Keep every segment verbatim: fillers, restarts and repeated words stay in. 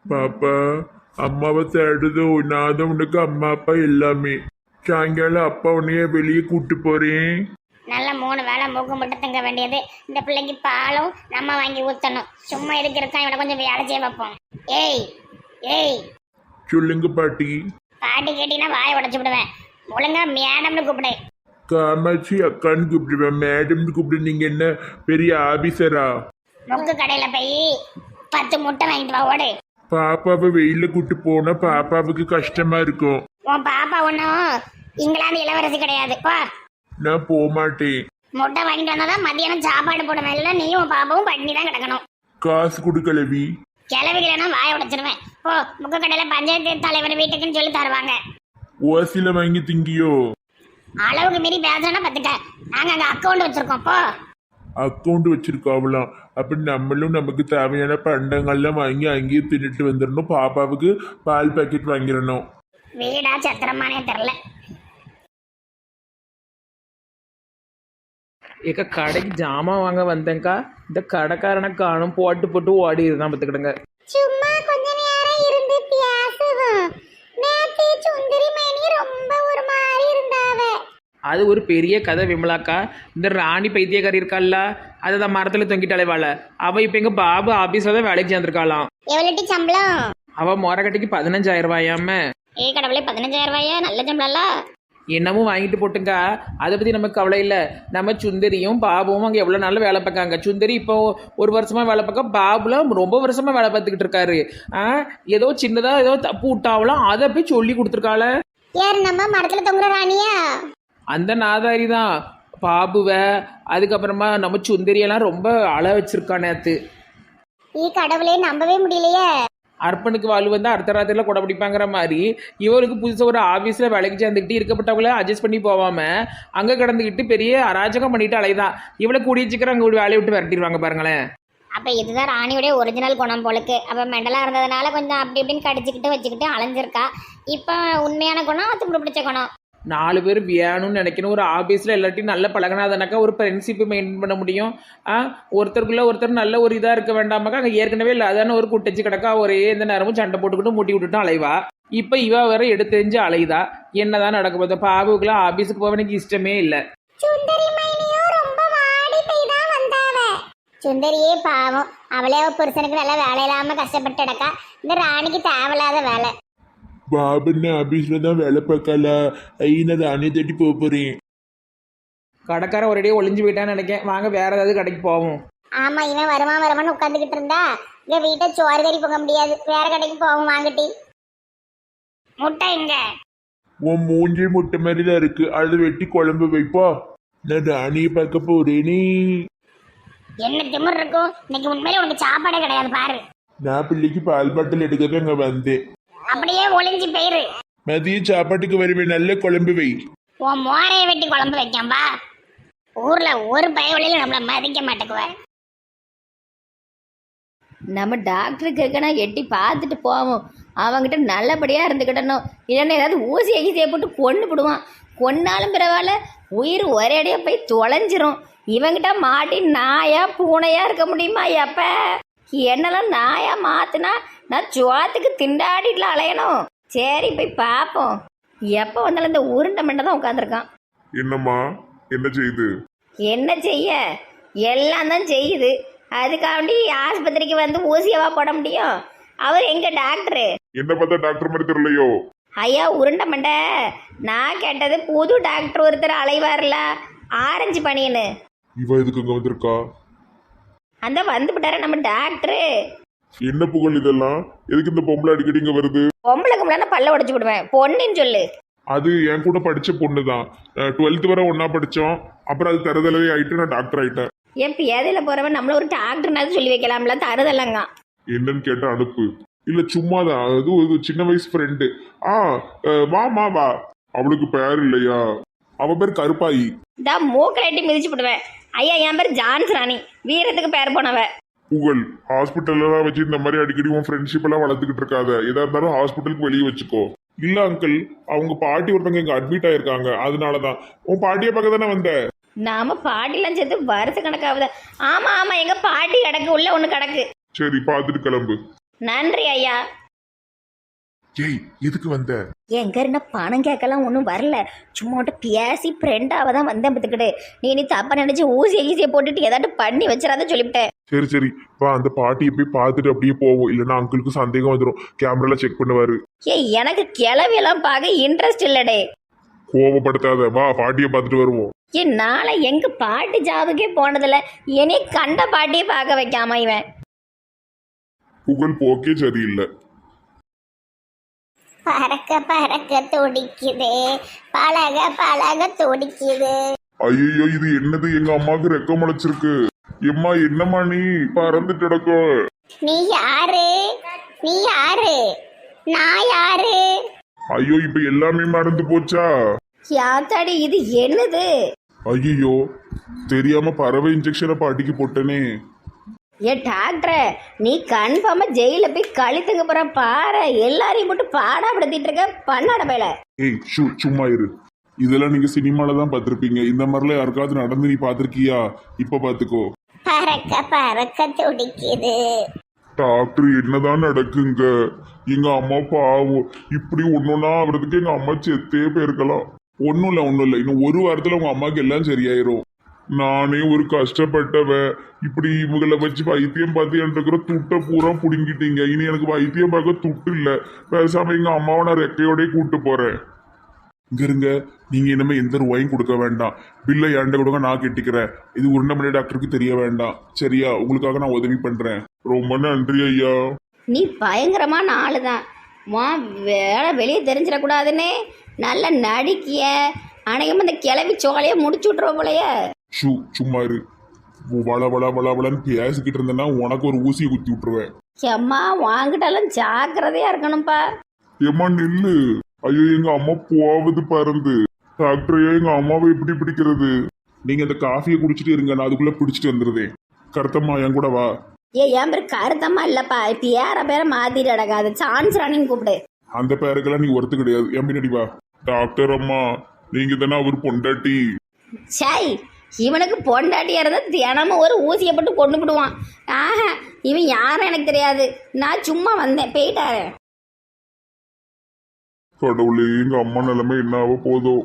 பாப்பா அம்மாவை தேடுதோ நான் தான் உனக்கு அம்மா அப்பா எல்லாமே. சாயங்காலம் அப்பா உன்னைய வெளியே கூட்டு போறேன். நல்ல மூணு வேளை மூக்கு மட்டும் திங்க வேண்டியது. இந்த பிள்ளைக்கு பாலும் நம்ம வாங்கி ஊற்றணும். சும்மா எதுக்கு இருக்கான், இவனை கொஞ்சம் வேலை செய்ய வைப்போம். ஏய் ஏய் சொல்லுங்க பாட்டி. பாட்டி கேட்டீங்கன்னா வாயை உடச்சு விடுவேன். ஒழுங்கா மேடம்னு கூப்பிடு. காமாட்சி அக்கான்னு கூப்பிடுவேன். மேடம்னு கூப்பிடு. நீங்க என்ன பெரிய ஆபீசரா? முக்கு கடையில போய் பத்து முட்டை வாங்கிட்டு வா ஓடு. பாப்பாவை வெயில கூட்டு போனா பாப்பாவுக்கு கஷ்டமா இருக்கும். உன் பாப்பா ஒன்றும் இங்கிலாந்து இளவரசி கிடையாது. வா நான் போக மாட்டேன். முட்டை வாங்கிட்டு வந்தாதான் மதியானம் சாப்பாடு போடுவேன். இல்லை நீயும் உன் பாப்பாவும் பண்ணி தான் கிடக்கணும். காசு கொடுக்கலவி. கிளவிகளா வாயை உடைச்சிருவேன். போ முக்கு கடையில பஞ்சாயத்து தலைவர் வீட்டுக்குன்னு சொல்லி தருவாங்க. ஓசில வாங்கி திங்கியோ? அளவுக்கு மீறி பேசுறேன்னா பத்துக்க. நாங்க அங்க அக்கௌண்ட் வச்சிருக்கோம். போ. அக்கௌண்ட் வச்சிருக்காவலாம். அப்ப நம்மளும் நமக்கு தேவையான பண்டங்கள்லாம் வாங்கி அங்கேயே தின்னுட்டு வந்துடணும். பாப்பாவுக்கு பால் பாக்கெட் வாங்கிடணும். வீடா சத்திரமானே தெரில. ஏக்கா கடைக்கு ஜாமான் வாங்க வந்தேங்க்கா. இந்த கடைக்காரனை காணும் போட்டு போட்டு ஓடி இருந்தான் பார்த்துக்கிடுங்க. சும்மா கொஞ்ச நேரம் இருந்து பேசுவோம். நேத்து சுந்தரி மணி ரொம்ப ஒரு மாதிரி இருந்தாவ. அது ஒரு பெரிய கதை விமலாக்கா. இந்த ராணி பைத்தியக்காரி இருக்காள்ல, அதை தான் மரத்தில் தொங்கிட்டு அலைவாள். அவள் இப்போ எங்கள் பாபு ஆஃபீஸில் தான் வேலைக்கு சேர்ந்துருக்காளாம். எவ்வளோட்டி சம்பளம்? அவள் மொரக்கட்டைக்கு பதினஞ்சாயிரம் ரூபாயாம. ஏ கடவுளே, பதினஞ்சாயிரம் ரூபாயா? நல்ல சம்பளம்ல. என்னமும் வாங்கிட்டு போட்டுங்க. அதை பற்றி நமக்கு கவலை இல்லை. நம்ம சுந்தரியும் பாபுவும் அங்கே எவ்வளோ நாள் வேலை பார்க்காங்க. சுந்தரி இப்போ ஒரு வருஷமாக வேலை பார்க்க, பாபுலாம் ரொம்ப வருஷமாக வேலை பார்த்துக்கிட்டு இருக்காரு. ஆ ஏதோ சின்னதாக ஏதோ தப்பு விட்டாவலாம், அதை போய் சொல்லி கொடுத்துருக்காள. யார் நம்ம மரத்தில் தொங்குற ராணியா? அந்த நாதாரி தான் பாபுவை. அதுக்கப்புறமா நம்ம சுந்தரியெல்லாம் ரொம்ப அழ வச்சிருக்கா நேத்து. ஈ கடவுளே, நம்பவே முடியலையே. அர்ப்பனுக்கு வாழ் வந்து அடுத்த ராத்திரில கொடை பிடிப்பாங்கிற மாதிரி இவருக்கு புதுசாக ஒரு ஆஃபீஸில் வேலைக்கு சேர்ந்துக்கிட்டு இருக்கப்பட்டவங்கள அட்ஜஸ்ட் பண்ணி போகாமல் அங்கே கிடந்துக்கிட்டு பெரிய அராஜகம் பண்ணிட்டு அலைதான். இவளை கூடிய சீக்கிரம் அங்கே வேலையை விட்டு விரட்டிடுவாங்க பாருங்களேன். அப்போ இதுதான் ராணியுடைய ஒரிஜினல் குணம் போலுக்கு. அப்போ மெண்டலாக இருந்ததுனால கொஞ்சம் அப்படி இப்படின்னு கடிச்சிக்கிட்டு வச்சுக்கிட்டு அலைஞ்சிருக்கா. இப்போ உண்மையான குணம் தும்பு பிடிச்ச குணம். நாலு பேர் வேணும்னு நினைக்கணும். ஒரு ஆஃபீஸில் எல்லாத்தையும் நல்ல பழகினாதானாக்கா ஒரு ஃப்ரெண்ட்ஷிப்பு மெயின்டைன் பண்ண முடியும். ஆ ஒருத்தருக்குள்ளே ஒருத்தர் நல்ல ஒரு இதாக இருக்க வேண்டாமாக்கா. அங்கே ஏற்கனவே இல்லை அதான ஒரு குட்டச்சு கிடக்கா. ஒரே எந்த நேரமும் சண்டை போட்டுக்கிட்டு மூட்டி விட்டுட்டு அலைவா. இப்போ இவ வேற எடுத்து தெரிஞ்சு அலைதா. என்னதான் நடக்க போகுது? பாபுக்குலாம் ஆஃபீஸுக்கு போக எனக்கு இஷ்டமே இல்லை. சுந்தரியே பாவம், அவளே புருஷனுக்கு நல்ல வேலை இல்லாமல் கஷ்டப்பட்டு கிடக்கா. இந்த ராணிக்கு தேவையில்லாத வேலை. பாபுன்னு ஆபீஸ்ல தான் வேலை பார்க்கல. ஐயா ராணி தேடி போக போறேன். கடைக்காரன் ஒரேடியே ஒளிஞ்சு போயிட்டான்னு நினைக்கேன். வாங்க வேற ஏதாவது கடைக்கு போவோம். ஆமா, இவன் வருவான் வருவான்னு உட்காந்துக்கிட்டு இருந்தா இங்க வீட்டை சோறு கறி போக முடியாது. வேற கடைக்கு போவோம். வாங்கிட்டி முட்டை இங்க. உன் மூஞ்சி முட்டை மாதிரி தான் இருக்கு. அது வெட்டி குழம்பு வைப்பா. நான் ராணியை பார்க்க போறேனே. என்ன திமிர் இருக்கும் இன்னைக்கு? உண்மையிலே உனக்கு சாப்பாடே கிடையாது பாரு. நான் பிள்ளைக்கு பால் பாட்டில் எடுக்க அங்க வந்தேன். அப்படியே ஒளிஞ்சு போயிரு. மதிய சாப்பாட்டுக்கு வருவேன். நல்ல குழம்பு வை. உன் மோரையை வெட்டி குழம்பு வைக்காம்பா. ஊர்ல ஒரு பயவழியில நம்மள மதிக்க மாட்டேக்குவேன். நம்ம டாக்டர் கேட்கனா எட்டி பார்த்துட்டு போவோம். அவங்ககிட்ட நல்லபடியாக இருந்துக்கிட்டணும். இல்லைன்னா ஏதாவது ஊசி அகிசியை போட்டு கொண்டு விடுவான். கொன்னாலும் பரவாயில்ல, உயிர் ஒரேடியாக போய் தொலைஞ்சிரும். இவங்கிட்ட மாட்டி நாயா பூனையா இருக்க முடியுமா? எப்ப என்னெல்லாம் நாயா மாத்துனா நான் ஜோத்துக்கு திண்டாடிட்டுல அலையணும். சரி போய் பார்ப்போம். எப்போ வந்தாலும் இந்த உருண்டை மண்டை தான் உட்காந்துருக்கான். என்னம்மா என்ன செய்யுது? என்ன செய்ய, எல்லாம் தான் செய்யுது. அதுக்காண்டி ஆஸ்பத்திரிக்கு வந்து ஊசியவா போட முடியும்? அவர் எங்க டாக்டரு? என்ன பார்த்தா டாக்டர் மாதிரி தெரியலையோ? ஐயா உருண்டை மண்டை, நான் கேட்டது புது டாக்டர் ஒருத்தர் அலைவார்ல, ஆரஞ்சு பனியனு. இவ எதுக்கு இங்க வந்திருக்கா? அந்த வந்து விட்டார நம்ம டாக்டரு. என்ன புகழ் இதெல்லாம்? எதுக்கு இந்த பொம்பளை அடிக்கடி இங்க வருது? பொம்பளை கும்பலான பல்ல உடைச்சு விடுவேன். பொண்ணுன்னு சொல்லு. அது என் கூட படிச்ச பொண்ணு தான். டுவெல்த் வரை ஒன்னா படிச்சோம். அப்புறம் அது தருதலவே ஆயிட்டு நான் டாக்டர் ஆயிட்டேன். என் பேதையில போறவன் நம்மள ஒரு டாக்டர்னாவது சொல்லி வைக்கலாம்ல. தருதலங்க என்னன்னு கேட்டா அனுப்பு. இல்ல சும்மாதான். அது ஒரு சின்ன வயசு ஃப்ரெண்டு. ஆ வாமா வா. அவளுக்கு பேர் இல்லையா? அவ பேர் கருப்பாயி. இந்த மூக்கரைட்டி மிதிச்சு விடுவேன். ஐயா என் பேர் ஜான்ஸ் ராணி, வீரத்துக்கு பேர் போனவ. புகழ் ஹாஸ்பிட்டல்லாம் வச்சு இந்த மாதிரி அடிக்கடி உன் ஃப்ரெண்ட்ஷிப் எல்லாம் வளர்த்துக்கிட்டு இருக்காத. எதா இருந்தாலும் ஹாஸ்பிட்டலுக்கு வெளியே வச்சுக்கோ. இல்ல அங்கிள், அவங்க பாட்டி ஒருத்தவங்க இங்க அட்மிட் ஆயிருக்காங்க. அதனாலதான். உன் பாட்டியை பார்க்க தானே வந்த? நாம பாட்டிலாம் சேர்த்து வருஷ கணக்காகுது. ஆமா ஆமா, எங்க பாட்டி கிடக்கு, உள்ள ஒண்ணு கிடக்கு. சரி பார்த்துட்டு கிளம்பு. நன்றி ஐயா. ஏய் எதுக்கு வந்த? எங்க இருந்த பணம் கேட்கலாம் ஒன்றும் வரல, சும்மா மட்டும் பேசி ஃப்ரெண்டாக தான் வந்தேன் பார்த்துக்கிட்டு. நீ நீ தப்பா நினைச்சு ஊசி ஈஸியை போட்டுட்டு ஏதாட்டும் பண்ணி வச்சிடாத சொல்லிவிட்டேன். சரி சரி வா, அந்த பாட்டியை போய் பார்த்துட்டு அப்படியே போவோம், இல்லைன்னா அங்கிளுக்கு சந்தேகம் வந்துடும், கேமரால செக் பண்ணுவாரு. ஏ எனக்கு கிளவியெல்லாம் பார்க்க இன்ட்ரெஸ்ட் இல்லடே. கோவப்படுத்தாத, வா பாட்டியை பார்த்துட்டு வருவோம். ஏன் நாளை எங்க பாட்டி ஜாபுக்கே போனதில்ல, என்னை கண்ட பாட்டியை பார்க்க வைக்காம இவன். புகழ் போக்கே சரியில்லை. பறக்க பறக்க துடிக்குது, பழக பழக துடிக்குது. ஐயோ இது என்னது, எங்க அம்மாவுக்கு ரெக்க முளைச்சிருக்கு. எம்மா என்னம்மா நீ பறந்துட்டு கிடக்கோ? நீ யாரு? நீ யாரு? நான் யாரு? ஐயோ இப்ப எல்லாமே மறந்து போச்சா? யாத்தாடி இது என்னது? ஐயோ தெரியாம பறவை இன்ஜெக்ஷனை பாட்டிக்கு போட்டனே. ஏ டாக்டரை, நீ கன்ஃபார்மா ஜெயில போய் கழித்துங்க போற பாரு. எல்லாரையும் போட்டு பாடாப்படுத்திட்டு இருக்க பண்ணாட பையல. ஏய் ஷூ சும்மா இரு. இதெல்லாம் நீங்க சினிமால தான் பார்த்திருப்பீங்க, இந்த மாதிரிலாம் யாருக்காவது நடந்து நீ பாத்திருக்கியா? இப்ப பாத்துக்கோ. பறக்க பறக்க துடிக்குது. டாக்டர் என்னதான் நடக்குங்க? எங்க அம்மா பாவம், இப்படி ஒன்னொன்னா ஆகுறதுக்கு எங்க அம்மா செத்தே போயிருக்கலாம். ஒன்னும் இல்ல ஒன்னும் இல்ல, இன்னும் ஒரு வாரத்துல உங்க அம்மாக்கு எல்லாம் சரியாயிரும். நானே ஒரு கஷ்டப்பட்டவ, இப்படி இவங்களை வச்சு வைத்தியம் பார்த்து இருக்கிற துட்டை பூரா புடுங்கிட்டீங்க. இனி எனக்கு வைத்தியம் பார்க்க துட்டு இல்ல, பேசாம எங்க அம்மாவை நான் ரெக்கையோடய கூட்டு போறேன். இங்க இருங்க, நீங்க இனிமே எந்த ரூபாயும் கொடுக்க வேண்டாம், பில்லை ஏண்ட கொடுங்க, நான் கெட்டிக்கிறேன். இது உருண்டமலை டாக்டருக்கு தெரிய வேண்டாம், சரியா? உங்களுக்காக நான் உதவி பண்றேன். ரொம்ப நன்றி ஐயா. நீ பயங்கரமான ஆளுதான். வா வேலை வெளியே தெரிஞ்சிடக்கூடாதுன்னு நல்ல நடிக்கிய. அநேகமா இந்த கிளவி சோலையை முடிச்சு விட்டுருவ போலைய. ஷூ சும்மா இரு. வள வள வள வளன்னு பேசிக்கிட்டு இருந்தேன்னா உனக்கு ஒரு ஊசியை குத்தி விட்டுருவேன். எம்மா வாங்கிட்டாலும் ஜாக்கிரதையா இருக்கணும்ப்பா. ஏம்மா நில்லு. ஐயோ எங்க அம்மா போவது பறந்து. டாக்டரையோ எங்க அம்மாவை எப்படி பிடிக்கிறது? நீங்க இந்த காஃபியை குடிச்சிட்டு இருங்க, நான் அதுக்குள்ள பிடிச்சிட்டு வந்துருதேன். கருத்தம்மா என் கூட வா. ஏ என் பேர் கருத்தம்மா இல்லப்பா, இப்ப ஏற பேரை மாத்திட்டு அடக்காது, சான்ஸ் ராணின்னு கூப்பிடு. அந்த பேருக்கெல்லாம் நீ ஒருத்து கிடையாது, என் பின்னாடி வா. டாக்டர் அம்மா நீங்க தானே அவர் பொண்டாட்டி? சாய் இவனுக்கு பொண்டாட்டியா இருந்தா தினமும் ஒரு ஊசியை போட்டு கொண்டு விடுவான். ஆஹா இவன் யாரும் எனக்கு தெரியாது, நான் சும்மா வந்தேன் போயிட்டாரு. கடவுளே எங்க அம்மா நிலைமை என்ன ஆக போதோ?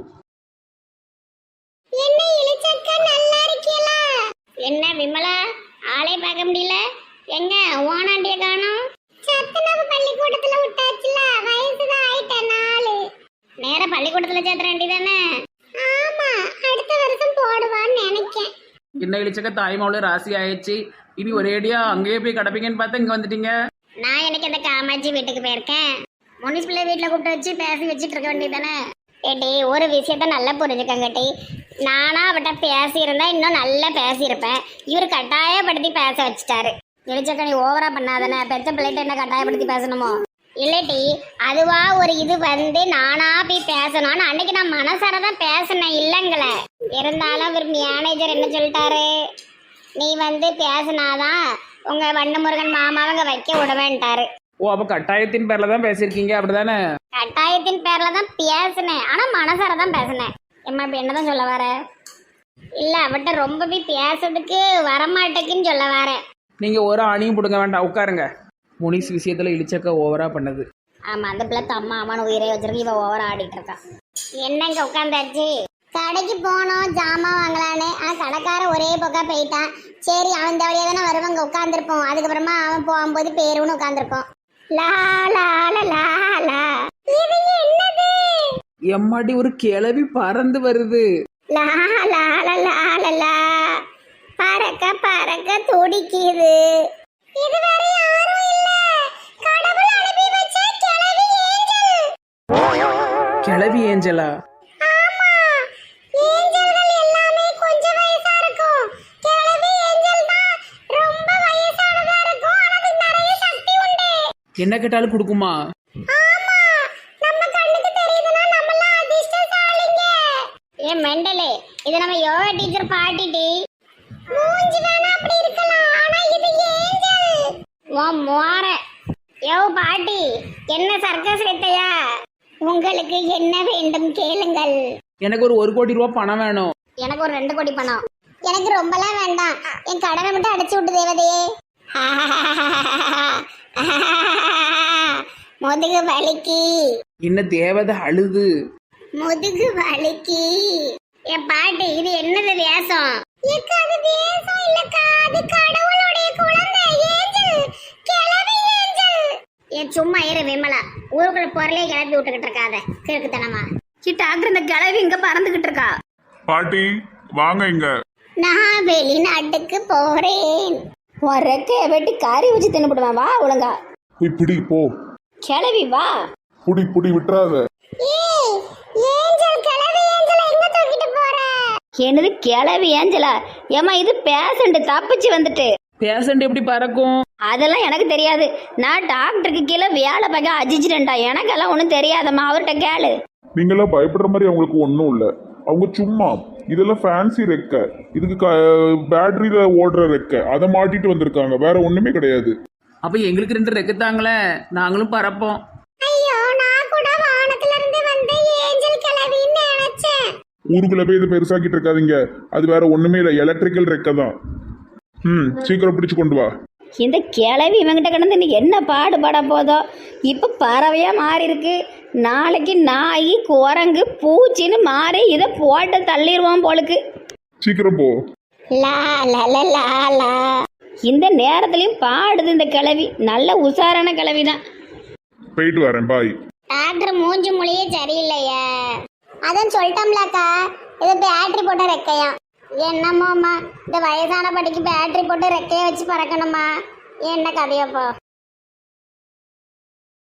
என்ன இளிச்சக்கா, நல்லா இருக்கீங்களா? என்ன விமலா, ஆளே பார்க்க முடியல, எங்க ஓனாண்டிய காணோம்? சத்துணவு பள்ளிக்கூடத்துல விட்டாச்சுல, வயசுதான் ஆயிட்ட நாலு. நேர பள்ளிக்கூடத்துல சேர்த்த வேண்டியதானே? ஆமா, அடுத்த வருஷம் போடுவான்னு நினைக்கேன். என்ன இழிச்சக்க தாய்மாவுல ராசி ஆயிடுச்சு, இனி ஒரேடியா அங்கேயே போய் கிடப்பீங்கன்னு பார்த்தா இங்க வந்துட்டீங்க. நான் எனக்கு அந்த காமாட்சி வீட்டுக்கு போயிருக்கேன். முனிசிபல் வீட்டில் கூப்பிட்டு வச்சு பேசி வச்சுட்டு இருக்க வேண்டியதானே? ஏட்டி ஒரு விஷயத்த நல்லா புரிஞ்சுக்கங்கட்டி, நானா அவட்ட பேசியிருந்தா இன்னும் நல்லா பேசியிருப்பேன். இவர் கட்டாயப்படுத்தி பேச வச்சுட்டாரு. இழிச்சக்க நீ ஓவரா பண்ணாதானே, பெத்த பிள்ளைகிட்ட என்ன கட்டாயப்படுத்தி பேசணுமோ? இல்லட்டி அதுவா ஒரு இது வந்து நானா போய் பேசணும். அன்னைக்கு நான் மனசார தான் பேசினேன் இல்லைங்களே. இருந்தாலும் அவர் மேனேஜர் என்ன சொல்லிட்டாரு, நீ வந்து பேசினாதான் உங்க வண்ணமுருகன் மாமாவங்க வைக்க விடுவேன்ட்டாரு. ஓ அப்ப கட்டாயத்தின் பேர்ல தான் பேசியிருக்கீங்க அப்படிதானே? கட்டாயத்தின் பேர்ல தான் பேசினேன், ஆனா மனசார தான் பேசினேன். எம்மா இப்ப என்னதான் சொல்ல வர? இல்ல அவட்ட ரொம்ப போய் பேசுறதுக்கு வரமாட்டேக்குன்னு சொல்ல வர. நீங்க ஒரு அணியும் பிடுங்க வேண்டாம், உட்காருங்க. முனிஸ் விஷயத்துல இழிச்சக்க ஓவரா பண்ணது. ஆமா அந்த பிள்ளை தம்மா அம்மானு உயிரை வச்சிருக்கு, இவ ஓவரா ஆடிட்டு இருக்கா. என்னங்க உட்காந்தாச்சு? கடைக்கு போனோம் ஜாமான் வாங்கலான்னு, ஆனா கடைக்கார ஒரே பக்கா போயிட்டான். சரி அவன் வழியா தானே வருவாங்க, உட்காந்துருப்போம். அதுக்கப்புறமா அவன் போகும்போது பேருன்னு உட்காந்துருப்போம். லா லா லா லா. இது என்னது? எம்மாடி ஒரு கிளவி பறந்து வருது. லா லா லா லா லா. பறக்க பறக்க துடிக்குது. இது வேற யாரும் இல்ல, கடவுள் அனுப்பி வச்ச கிளவி ஏஞ்சல். கிளவி ஏஞ்சலா? ஆமா, ஏஞ்சல்கள் எல்லாமே கொஞ்சம் வயசா இருக்கும். கிளவி ஏஞ்சல் தான் ரொம்ப வயசானதா இருக்கும், ஆனா அதுக்கு நிறைய சக்தி உண்டு. என்ன கேட்டாலும் கொடுக்குமா? ஆமா, நம்ம கண்ணுக்கு தெரியுதுன்னா நம்மலாம் அதிர்ஷ்டசாலிங்க. ஏ மெண்டலே, இது நம்ம யோகா டீச்சர் பாட்டிட்டி. மூஞ்சி வேணா அப்படி இருக்கலாம், ஆனா இது ஏஞ்சல். ஓ மோர. யோ பாட்டி, என்ன சர்க்கஸ் வைத்தையா? உங்களுக்கு என்ன வேண்டும் கேளுங்கள். எனக்கு ஒரு ஒரு கோடி ரூபாய் பணம் வேணும். எனக்கு ஒரு ரெண்டு கோடி பணம். எனக்கு ரொம்பலாம் வேண்டாம், என் கடனை மட்டும் அடைச்சு விட்டு தேவதையே. முதுகு வலிக்கு என்ன தேவதை அழுது. முதுகு வலிக்கு. என் பாட்டி இது என்னது வேஷம்? ஏக்கா அது வேஷம் இல்லக்கா, அது கடவுளுடைய குழந்தை ஏஞ்சல், கிளவி ஏஞ்சல். ஏன் சும்மா இரு விமலா, ஊருக்குள்ள பொருளே கிளப்பி விட்டுக்கிட்டு இருக்காத கிறுக்குத்தனமா. சி டாக்டர் இந்த கிளவி இங்க பறந்துகிட்டு இருக்கா. பாட்டி வாங்க இங்க. நான் வெளிநாட்டுக்கு போறேன். உன் ரெக்கைய வெட்டி கறி வச்சு தின்னுபிடுவேன், வா ஒழுங்கா. போய் பிடி போ. கிளவி வா. புடி புடி விட்டுறாத. ஏய் ஏஞ்சல், கிளவி ஏஞ்சல் எங்க தூக்கிட்டு போற? என்னது கிளவி ஏஞ்சலா? ஏமா இது பேஷண்ட் தப்பிச்சு வந்துட்டு. பேஷண்ட் எப்படி பறக்கும்? அதெல்லாம் எனக்கு தெரியாது. நான் டாக்டருக்கு கீழே வேலை பார்க்க அஜிச்சிட்டேன்டா. எனக்கெல்லாம் ஒன்றும் தெரியாதம்மா, அவர்கிட்ட கேளு. நீங்களாம் பயப்படுற மாதிரி அவங்களுக்கு ஒன்றும் இல்லை. அவங்க சும்மா இதெல்லாம் ஃபேன்சி ரெக்கை, இதுக்கு க பேட்டரியில ஓடுற ரெக்கை, அதை மாட்டிட்டு வந்திருக்காங்க, வேற ஒண்ணுமே கிடையாது. அப்ப எங்களுக்கு ரெண்டு ரெக்கத்தாங்களே, நாங்களும் பறப்போம். ஐயோ நான் கூட வானத்துல இருந்து வந்த ஏஞ்சல் கிளவின்னு நினைச்சேன். ஊருக்குள்ள போய் இதை பெருசாக்கிட்டு இருக்காதீங்க, அது வேற ஒண்ணுமே இல்லை, எலக்ட்ரிக்கல் ரெக்கை தான். ம் சீக்கிரம் பிடிச்சு கொண்டு வா. இந்த கிளவி இவங்கிட்ட கிடந்து இன்னைக்கு என்ன பாடுபட போதோ. இப்போ பறவையா மாறி இருக்கு, நாளைக்கு நாய் குரங்கு பூச்சின்னு மாறி இதை போட்டு தள்ளிடுவோம் போலுக்கு. சீக்கிரம் போ. லா லா லா லா லா. இந்த நேரத்துலயும் பாடுது இந்த கிளவி. நல்ல உஷாரான கிளவி தான். போயிட்டு வரேன், பாய். டாக்டர் மூஞ்சி மொழியே சரியில்லையே. அதான் சொல்லிட்டோம்லக்கா, இது பேட்டரி போட்ட ரெக்கையா. என்னமோம்மா, இந்த வயசான படிக்கு பேட்டரி போட்டு ரெக்கைய வச்சு பறக்கணுமா? என்ன கதையப்போ?